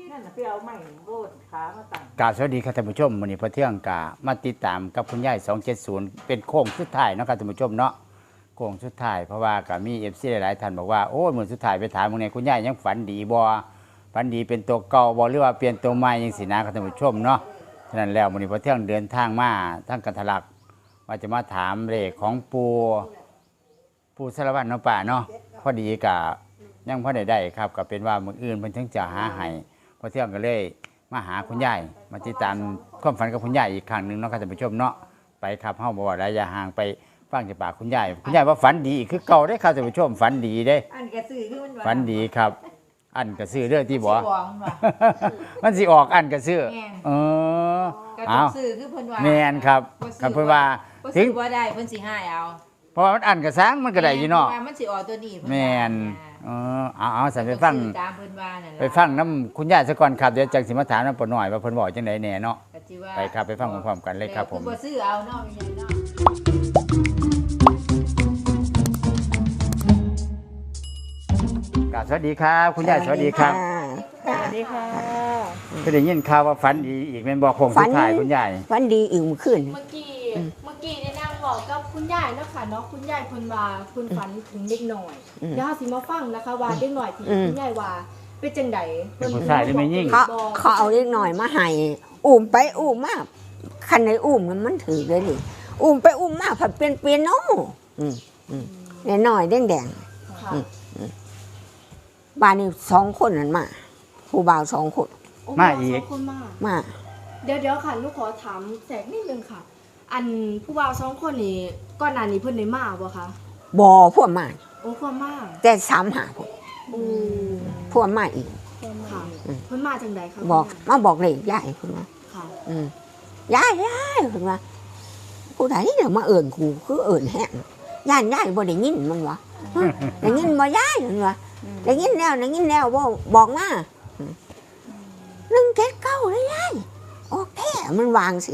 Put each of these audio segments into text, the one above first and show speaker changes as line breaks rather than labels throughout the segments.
นั่นน่ะไปเอาไม้โบดขามาตั้ง
กราบสวัสดีครับท่านผู้ชมวันนี้พระเที่ยงกามาติดตามกับคุณยาย270เป็นโค้งสุดท้ายเนาะครับท่านผู้ชมเนาะโค้งสุดท้ายเพราะว่าก็มี FC หลายๆท่านบอกว่าโอ้ยมื้อสุดท้ายไปถามมื้อนี้คุณยายยังฝันดีบ่ฝันดีเป็นตัวเก่าบ่หรือว่าเปลี่ยนตัวใหม่จังซี่นะครับท่านผู้ชมเนาะฉะนั้นแล้วมื้อนี้พระเที่ยงเดินทางมาทางกันทะลักว่าจะมาถามเลขของปู่สารวัตรเนาะป่าเนาะพอดีก็ยังพอได้ครับก็เป็นว่ามื้ออื่นเพิ่นถึงจะหาให้พระเที่ยงก็เลยมาหาคุณยายมาติดตามความฝันกับคุณยายอีกครั้งหนึ่งเนาะครับท่านผู้ชมเนาะไปครับเฮาบ่ว่าระยะห่างไปฟังจากปากคุณยายว่าฝันดีอีกคือเก่าได้ครับท่านผู้ชมฝันดีเด้
อันกระสือคือมัน
ฝันดีครับ อันกระซื้อเรื่องที่บ่
สิบอกมันว่า
มันสิออกอันกระซื้อ
แม่น
เออก
ระ
เอา
สือคือเพิ่นว่า
แม่นครับครับเพิ่นว่า
บ่
ถึ
ซื้
ง
อบ่ได้เพิ่นสิให้เอา
เพราะว่ามันอันกระซ้างมันก็ได้อยู่เนาะ
แม่มันสิออกตัวนี้เพิ่นว่า
แม่นเอาสั่นไปฟัง
ตามเพิ่นว่านั่นล่ะ
ไปฟังน้ำคุณยายซะก่อนครับเดี๋ยวจังสิมาถามน้ำปนหน่อยว่าเพิ่นบอกจังไดแหน่เนาะ
ก็สิว่า
ไปครับไปฟังพร้อมๆกันเลยครับผม
บ่ซื้อเอาเนาะไม่ใช่เนาะ
กราบสวัสดีครับ คุณยายสวัสดีครับ
สวัสดีค่ะ
ก็ได้ยินข่าวว่าฝันดีอีกแม่นบอกโคงสุดท้ายคุณยาย
วันดีอิ่มขึ้น
เมื่อกี้ได้นั่งบอกกับคุณยายเนาะค่ะเนาะคุณยายเพิ่นว่าเพิ่นฝันถึงเด็กหน่อย
อืม
เดี๋ยวเราสิมาฟังนะคะว่าเด็กหน่อยที่
อืม
คุณยายว่าเป็นจังได
เป็นผู้ชายหรือไม่ยิ่ง
เขาเอาเล็กหน่อยมาให้อุ้มไปอุ้มมาคันในอุ้มมันถือเลยดิอุ้มไปอุ้มมาผัดเป็นเปียโนเนี่ยหน่อยแดง
ค่ะ
ๆบ้านนี้2 คนนั่นมาผู้บ่าว2 คน
โอ้
มาอีก
สงคนมา
มา
เดี๋ยวค่ะลูกขอถามแสกนิดนึงค่ะ อันผู้บ่าวสองคนนี้ก่อนหน้านี้เพิ่นได้มาบ่คะ
บ่พวกมา
โอ้ความมา
แต่3 หาพวก
โอ้
พวกมาอีก
ค่ะเพิ่นมาจังไดคะ
บอกมาบอกเลยยายคุณว่า
ค่ะ
ยายคุณว่าผู้ใดเดี๋ยวมาเอิ่นกูคือเอิ่นแห้งยายบ่ได้ยินมันวะได้ยินบ่ยายมันวะได้ยินแล้วบ่บอกมา179เลยยายออกแท้มันวางสิ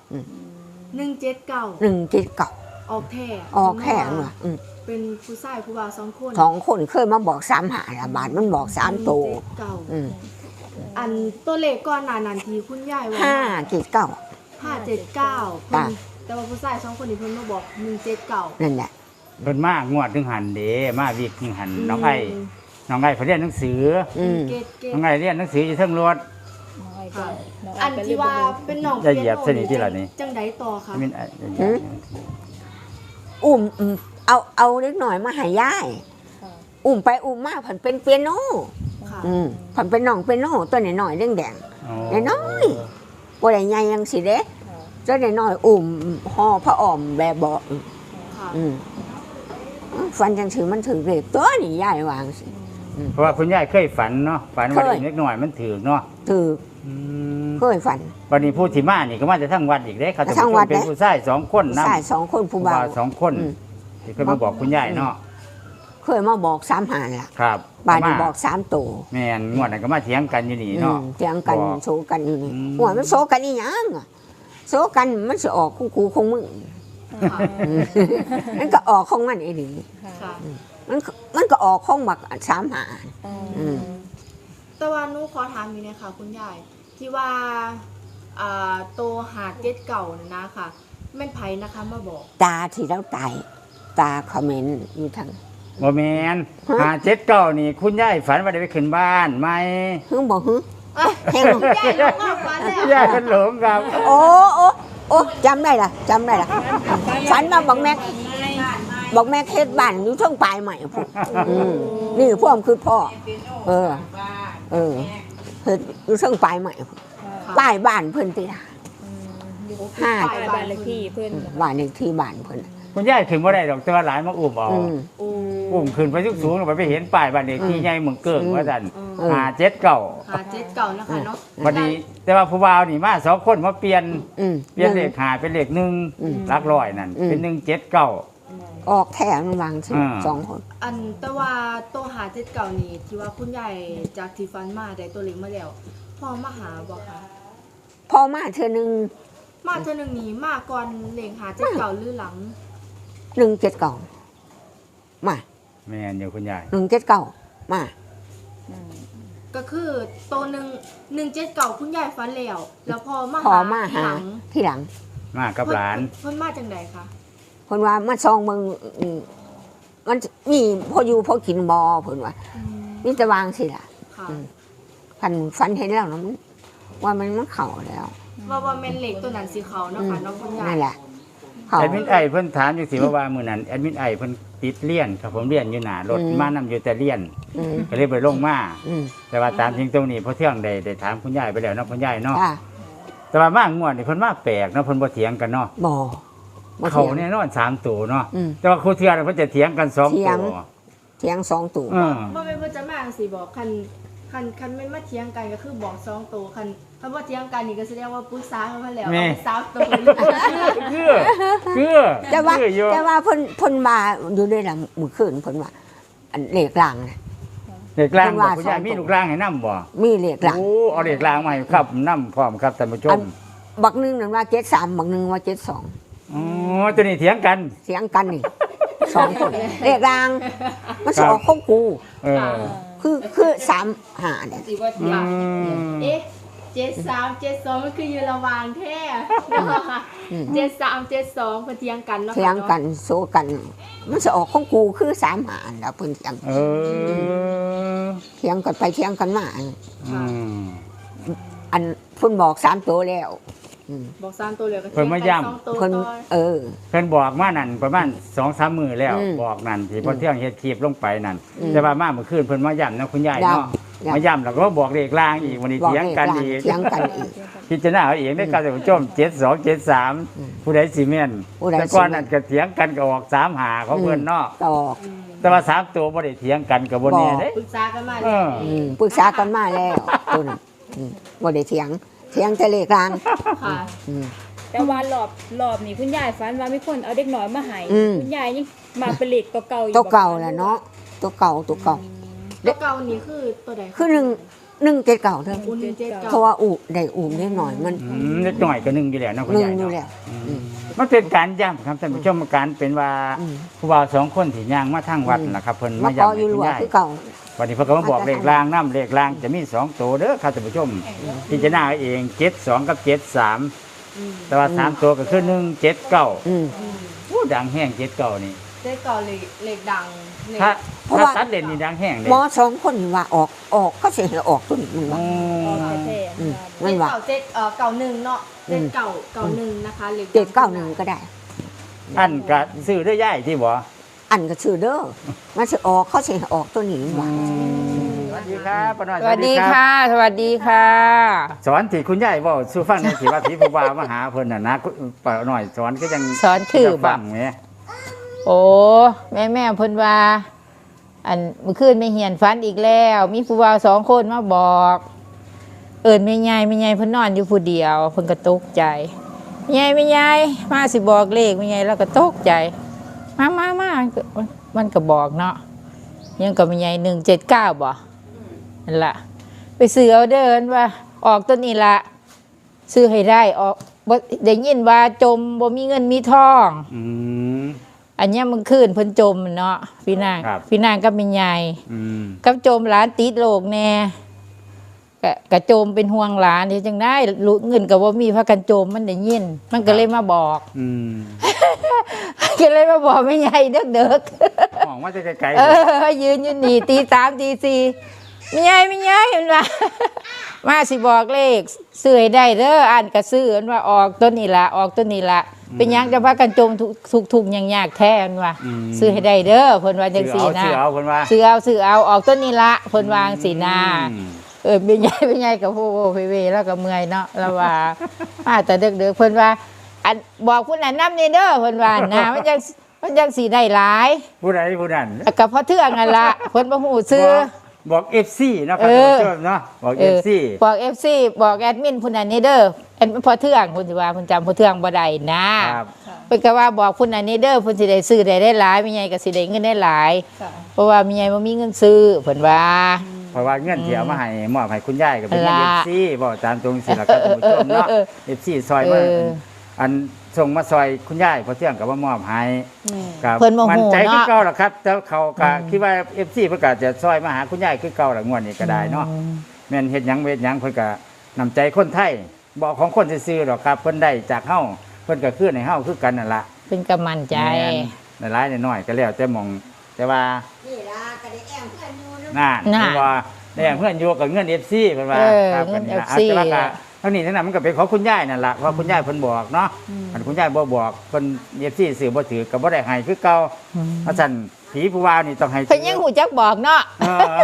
179
179
ออกแท้
ออกแท้มันวะ
เป็นผู้ชายผู้บ่าวสองคน
2 คนเคยมาบอก3 หาละบาทมันบอก3 โตว
179 อันตัวเลขก่อนหน้านั้นที่คุณยายว่า
579
579
จ้ะ
เพิ่นแต่ว่าผู้ชายสองคนนี้เพิ่นมาบอก179
นั่นแหละ
เพิ่นมางวดถึงหันเด้มาวิกถึงหันน้องไอ้เพิ่นเรียนหนังสือ
เกต
น้องไอ้เรียนหนังสืออยู่เทิงรถ
ค่ะอันที่ว่าเป็นน้อง
อย่าเหยียบสนิทที่ละนี่
จังไดต่อคะ
มิน
อุ้มเอาเล็กหน่อยมาให้ยายอุ้มไปอุ้มมาผันเป็นเปียโน
ค่ะ
ผันเป็นน้องเปียโนตัวหน่อยๆแดงๆน้อยๆบ่ได้ใหญ่ยังสิเด้ตัวน้อยๆอุ้มห่อพระอ้อมแบบบ่
ค่ะ
ฟันจังถือมันถือเล็บตัวนี่ยายวางสิ
เพราะว่าคุณยายเคยฝันเนาะฝันว่าเด็กเล็กน้อยมันถือเนาะ
ถือเคยฝัน
วันนี้ผู้ที่มานี่ก็มาจะทั้งวัดอีกเด้ครับ
ทั้งวัด
เป็นผู้ชาย2คนนำ
ชาย2 คนผู้บ่าว
2 คนที่เคยมาบอกคุณยายเนาะ
เคยมาบอก3 หาล่ะ
ครับ
บ้านนี้บอก3 โต
แม่นงวดนั้นก็มาเถียงกันอยู่นี่เนาะ
เถียงกัน
บอก
โซกันอยู่นี่
อืม
หัวมันโซกันอีหยังอะโซกันมันสิออกของกูของมึง
ค่ะ
มันก็ออกของมันเอง
ค่ะ
มันก็ออกของบัก3 หา
แต่ว่าหนูขอถามอยู่เนี่ยค่ะ คุณยายที่ว่าโตหาเกตเก่าน่ะนะค่ะแม่นไผนะคะมาบอก
ตาที่เราตายตาคอมเมนต์อยู่ทาง
บ่แม่น579นี่คุณยายฝันว่าได้ไปขึ้นบ้านไหม
ฮึบอกฮึแห้ง
คุณยายลงมาฝันแล้ว
ยายเป็นหลงครับ
โอ้จำได้ล่ะฝันมาบอกแม่เฮ็ดบ้านอยู่เทั้งปลายใหม่พุ่นนี่พวกมันคือพ่อ เฮ็ดอยู่เทั้งปลายใหม่พุ่นป้ายบ้านเพิ่นติล่ะ ห้า
บ้านเลขที่เพิ่น
บ้านเลขที่บ้านเพิ่น
คุณยายขึ้นบ่ได้ดอกแต่ว่าหลานมาอุ้มเอา
โอ้
อุ้มขึ้นไปสูงๆไปเห็นป้ายบ้านเลขที่ใหญ่เมืองเกิ้งว่าซั่น 579
หาเจ็ดเก่านะคะเนาะ
บัดนี้แต่ว่าผู้บ่าวนี่มา2คนมาเปลี่ยนเลข5เป็นเลข1หลักร้อยนั่นเป็น179
ออกแถมวางสิ2 คน
อันแต่ว่าโตหาเจ็ดเก่านี่ที่ว่าคุณยายจากที่ฟันมาได้ตัวเล็กมาแล้วพอมาหาบอกค่ะ
พอมาเทื่อนึง
มาเท่านึงนี้มาก่อนเล็งหาเจ็ดเก่าหรือหลัง
179มา
แม่นอยู่คุณยาย
179มา
ก็คือโต117คุณยายฝันแล้วพอมา
พอมาหา
หลัง
ที่หลัง
มากับหลาน
เพิ่นมาจังใดคะ
เพิ่นว่ามาซองเมืองมันมีพออยู่พอกินบ่เพิ่นว่ามีแต่วางสิล่ะ
ค่ะ
ฝันเห็นแล้วนะว่ามันเข้าแล้ว
ว่าแม่นเหล็กตัวนั้นสีขาวเนาะค่ะน้องคุณยาย
นั่นแหละเข้า
แอดมินไอเพิ่นถามอยู่สิว่ามื้อนั้นแอดมินไอเพิ่นติดเรียนครับผมเรียนอยู่หน้ารถมานำอยู่แต่เรียน
อืม
ก็เลยไปลงมา
อืม
แต่ว่าตามจริงตรงนี้พอเที่ยงได้ถามคุณยายไปแล้วเนาะคุณยายเนาะ
จ้า
แต่ว่ามางวดนี่เพิ่นมาแปลกเนาะเพิ่นบ่เถียงกันเนาะ
บ่
เขา
ถียง
แน่นอน3ตัวเนาะ
อืม
แต่ว่าครูเทื่อน่ะเพิ่นจะเถียงกัน2
เถี
ตั
ยง
ว
เถียง2ตัว
เออ
บ่แม่นเพิ่นจะมาจังซี่บอกคันแม่นมาเถียงกันก็คือบอก2ตัวคันบ่เถียงกันนี่ก็แสดงว่าปรึกษากันมาแล้วเอาไป3ตัวเลย
คือ
แต่ว่า
คืออยู่
แต่ว่าเพิ่นมาอยู่ด้วยล่ะมื้อคืนเพิ่นว่าอันเลขล่างน่ะ
เด็กล่าง
เพิ่น
บ่
ว่า
คุณยาย
2
มีลูกล่างให้นำบ่
มีเลขล่าง
โอ้เอาเด็กล่างมาให้ครับนำพร้อมครับท่านผู้ช
อั
ม
น บักหนึงนั่นว่า73บักหนึงว่า72
อ๋อตัวนี้เถียงกัน
เสียงกันนี่2คนเลขล่างมันสิออกของกู
เออ
คือ3 5เนี่ย
สิว่าเที่ยง
เอ๊ะ7372มันคืออยู่ระหว่างแท้7372เพิ่นเถียงกันเนาะ
เถียงกันโซกัน มันสิออกของกูคือ3 5แล้วเพิ่นเถียง
เออ
เถียงกันไปเถียงกันมา
อืม
อันเพิ่นบอก3ตัวแล้ว
บอก3ตัวเหลือก็
เพิ่นมาย้ำ
2ตัว
เพิ่น
ต่อ
เพิ่นบอกมานั่นประมาณ2-3 มื้อแล้ว
อืม
บอกนั่นที่พอเที่ยงเฮ็ดคลิปลงไปนั่น
อืม
แต่ว่ามาเมื่อคืนเพิ่นมาย้ำนะคุณยายเนาะ
ย้ำ
มาย้ำแล้วก็บอกเลขล่างอีกวันนี้
บอก
เถียง
เลข
กัน
ล่าง
อีก
เถียงกันอีก
พิจารณาเอาเองได้การท่านผู้ชม7273ผู้ใดสิแม่น
ผู้ใดสิแม่น
แต่ก่อนนั้นก็เถียงกันก็ออก3-5ของเพิ่นเนาะ
ตอก
แต่ว่า3ตัวบ่ได้เถียงกันก็บ่แน่เด้
ปรึกษากันมา
เอ
แล้ว
อ
ปรึกษากันมาแล้วตัวนั้นบ่ได้เถียงแต่เลขล่าง
ค่ะ
อืม
แต่ว่ารอบนี้คุณยายฝันว่ามีคนเอาเด็กน้อยมาให้
อืม
คุณยายยังมาเป็นเหล็กตัวเก่าอยู่
ตัวเก่าแหละเนาะตัวเก่า
ตัวเก่านี่คือตัวใดะ
คือ1 7 9เด้อ
อุ่นเจ็ดเก่า
เพราะว่าได้อุ้มได้หน่อยมัน
เล็กน้อยก็1อยู่แล้วเนาะคุณ
หนึ่ง
ยาย
อยู่
เนาะ
แล้ว
มันเป็นการย้ำครับท่านผู้ชมการเป็นว่า
อืม
ผู้บ่าว2คนที่ย่างมาทางวัดนะครับเพิ่น
มา
มา
ขอ
ย้ำ
อ
ให้
ยู่
คุ
รั
ณ
วย
าย
คือเก่า
วันนี้เพิ่นก็มาบอกเลขรางน้ำเลขรางจะมี2ตัวเด้อครับท่านผู้ชมพิจารณาเอาเอง72กับ73แต่ว่า3ตัวก็คือ179
อืม
โอ้ดังแห้ง79นี่
เจ็ดเก่าเหล็กดังเหล็ก
ถ้า
เพราะ
ถ้า
ว่า
ตัดเด่นนี่ดังแห้งเลย
หมอ2คนนี่ว่าออกก็สิให้ออกตัวนี้มันว่า
ออกแท้
อืม
ๆ
มันว่า
เก่าหนึ่งเนาะเจ็ดเก่าหนึ่งนะคะเหล็ก
791ก็ได้
อันก็ซื้อได้ย่ายที่บ่
อันก็ชื่อเด้อมันสิออกเขาสิให้ออกตัวนี้มันว่า
สวัสดีครับป้าน้อย
สวัสดีค่ะ สวัสดีค่ะ
สอนที่คุณยายเว้าสู่ฟังในอยสิว่าผีผู้บ่าวมาหาเพิ่นน่ะนะป้าน้อยสอนก็ยัง
สอนคือ
จะ
บ่
ฟังแหม
โอ้แม่เพิ่นว่า อันเมื่อคืนไม่เหียนฝันอีกแล้ว มีผู้บ่าว2 คนมาบอก เอิ้นแม่ใหญ่เพิ่นนอนอยู่ผู้เดียวเพิ่นก็ตกใจแม่ใหญ่มาสิบอกเลขแม่ใหญ่แล้วก็ตกใจมามันก็บอกเนาะยังก็แม่ใหญ่179บ่นั่นล่ะไปซื้อเอาเด้อเพิ่นว่า ออกตัวนี้ละซื้อให้ได้ออกบ่ได้ยินว่าจมบ่มีเงินมีทอง
อืม
อันเนี้ยมันขึ้นเพิ่นจมเนาะพี่นาง
ครับ
พี่นางก็เป็นใหญ่
อืม
กับจมหลานติดโรคแน่กะโจมเป็นห่วงหลานที่จังได้รู้เงินก็บ่มีพากันโจมมันได้ยิน มันก็เลยมาบอก
อืม
ก็เลยมาบอกแม่ใหญ่เด็ก
มองว่าจะไกล
ๆยืนอยู่นี่ตี3ตี4แม่ใหญ่เห็นว่า มาสิบอกเลขซื้อให้ได้เด้ออ่านก็ซื้ออันว่าออกต้นนี้ละออกต้นนี้ละเป็นหยังจะพากันจมทุกอย่างยากแท้อันว่าซื้อให้ได้เด้อเพิ่นว่าจังซี่นะ
ซื้อเอาเพิ่นว่า
ซื้อเอาออกต้นนี้ละเพิ่นวางสีนาเป็นใหญ่กับโอ้เวแล้วก็เมื่อยเนาะแล้วว่าแต่เด็กๆเพิ่นว่าอันบอกผู้นั้นนำนี่เด้อเพิ่นว่านะมันจังสิได้หลาย
ผู้ใดผู้นั้น
ก็เพราะเทื่องนั่นล่ะเพิ่นบ่ฮู้ซื้อ
บอก FC เนาะครับท่านผู้ชมเนาะบอก FC
บอก FC บอกแอดมินผู้นั้นนี่เด้ออันพอเทื่องเพิ่นสิว่าเพิ่นจำพอเทื่องบ่ได้นะครับ เพิ่นก็ว่าบอกผู้นั้นนี่เด้อเพิ่นสิได้ซื้อได้หลายแม่ใหญ่ก็สิได้เงินได้หลาย เพราะว่าแม่ใหญ่บ่มีเงินซื้อเพิ่นว่า
เพราะว่าเงินที่เอามาให้มอบให้คุณยายก็เป็นเงิน
ละ
FC บอกตามตรงสิล่ะครับท่านผู้ชมเนาะ FC ซอยมาอันส่งมาซอยคุณยายพอเที่ยงกับว่ามอบให้ครับ
เพิ่นบ่ฮู้
มั่นใจคือ
เนาะ
เก่าล่ะครับแต่เขาก็คิดว่า FC เพิ่นก็จะซอยมาหาคุณยายคือเก่าล่ะงวดนี้ก็ได้เนาะแม่นเฮ็ดหยังเฮ็ดหยังเพิ่นก็นำใจคนไทยบ่ของคนซื่อๆหรอกครับเพิ่นได้จากเฮาเพิ่นก็คือให้เฮาคือกันนั่นล่ะ
เป็นกำมันใจ
แม่นหลายๆน้อยๆก็แล้วแต่หมองแต่ว่า
นี่ล่ะก็ได้แอมเพื่อนอยู่นะ
น่า
น่ะ
เพิ่นว่าได้เพื่อนอยู่กับเงิน FC เพิ่นว่า
เออ
ครับ
เงิน
ก็นี่ล่ะ
FC
แต่ว่าก็เท่านี้เท่านั้นมันก็เป็นของคุณยายนั่นล่ะเพราะคุณยายเพิ่นบอกเนาะอันคุณยายบ่บอกเพิ่น FC ซื้อบ่ถือก็บ่ได้ให้คือเก่าเพราะฉะนั้นผีผู้ว่านี่ต้องให้
เพิ่นยังหูจักบอกเนาะ
เออ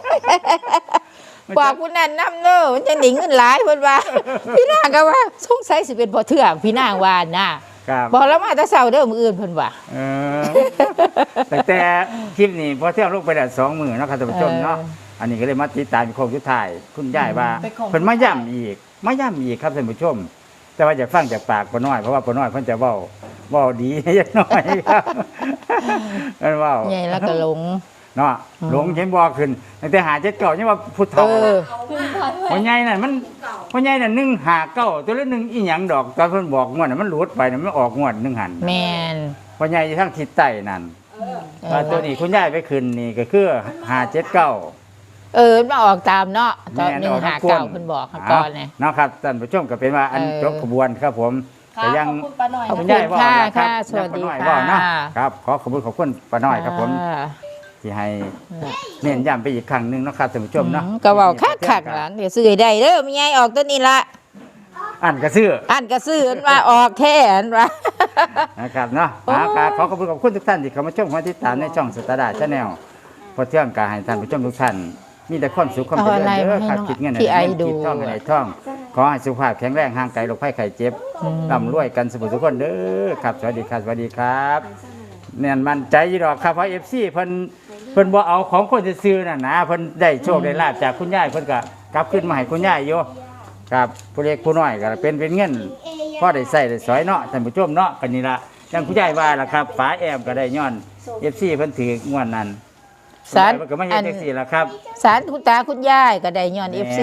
บอกผู้นั้นนำเด้อมันจะหนิงเงินหลายเพิ่นว่า พี่นางก็ว่าสงสัยสิเป็นบ่เถื่องพี่นางว่าน่ะ
ครับ
บอกแล้วมาแต่เช้าเด้อมื้ออื่นเพิ่นว่า
เออแต่คลิปนี้พอเที่ยวลงไปได้2มื้อเนาะครับท่านผู้ชมเนาะอันนี้ก็เลยมาติดตามโค้งสุดท้ายคุณยายว่าเพิ่นมาย้ำอีกครับท่านผู้ชม แต่ว่าอยากฟังจากปากป้าน้อยเพราะว่าป้าน้อยเพิ่นจะเว้าดี จักหน่อยครับเพิ่นเว้า
ใหญ่แล้วก็หลง
เนาะหลงเห็นบ่ขึ้นตั้งแต่หา7 9ยังว่าพุทธ
เอ
เฒ่า
อ
พ่อใหญ่นั่นมันพ่อใหญ่นั่น1 5 9ตัวละ1อีหยังดอกตอนเพิ่นบอกงวดน่ะมันหลุดไปน่ะมันออกงวด1หัน
แม่น
พ่อใหญ่อยู่ทางทิศใต้นั่นว่าตัวนี้คุณยายไปขึ้นนี่ก็คือ579
เออมันมาออกตามเนาะตอน
แม่น
1
ออกทั้ง
5
คน
9เพิ่นบอกก่อนนะ
เนาะครับท่านผู้ชมก็เป็นว่าอัน
เออ
จบขบวนครับผม
ค่ะ
แต่ยัง
ขอบคุณป้าหน่อย
ขอบ
คุ
คุณ
ณยายว่า
ค่ะ
ครับ
ค่ะสวัสดี
ยังป้าน้อย
ค่ะ
ว่าเนาะครับขอขอบคุณป้าน้อยครับผม
อ่า
ที่ให้เน้นย้ำไปอีกครั้งหนึงเนาะครับท่านผู้ชมเนาะ
ก็เว้าคักๆล่ะเดี๋ยวซื้อให้ได้เด้อแม่ใหญ่ออกตัวนี้ละ
อันกระซื้อ
อันก็ซื้ออันว่าออกแท้อันว่า
นะครับเนาะขอขอบคุณทุกท่านที่เข้ามาชมมาติดตามในช่องสตาร์ดาชาแนลพอเที่ยงกาให้ท่านผู้ชมทุกท่านมีแต่ความสุขความเจริญ
เอาอะไร
เด้อ
มาให้
ครับ
น้อง
คิดเงิน
พี่ไอดู
คิดท่องอะไรท่อง ขอให้สุขภาพแข็งแรงห่างไกลโรคภัยไข้เจ็บร่ำรวยกันสมุทุกคนเด้อครับสวัสดีครับสวัสดีครับเนี่ยมั่นใจอยู่ดอกครับเพราะ FC เพิ่นบ่เอาของคนซื่อๆน่ะนะเพิ่นได้โชคได้ลาภจากคุณยายเพิ่นก็กลับขึ้นมาให้คุณยายอยู่ครับผู้เล็กผู้น้อยก็เป็นเงินพอได้ใช้ได้สอยเนาะท่านผู้ชมเนาะกันนี่ล่ะอย่างคุณยายว่าล่ะครับฝาแอมก็ได้ย้อน FC เพิ่นถืองวดนั้น
สาร
เพิ่นก็มาเฮ็ดจังซี่ล่ะครับ
สารคุณตาคุณยายก็ได้ย้อน FC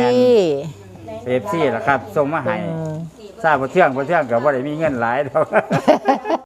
FC ล่ะครับส่งมาให้ทราบบ่เที่ยงก็บ่ได้มีเงินหลายดอก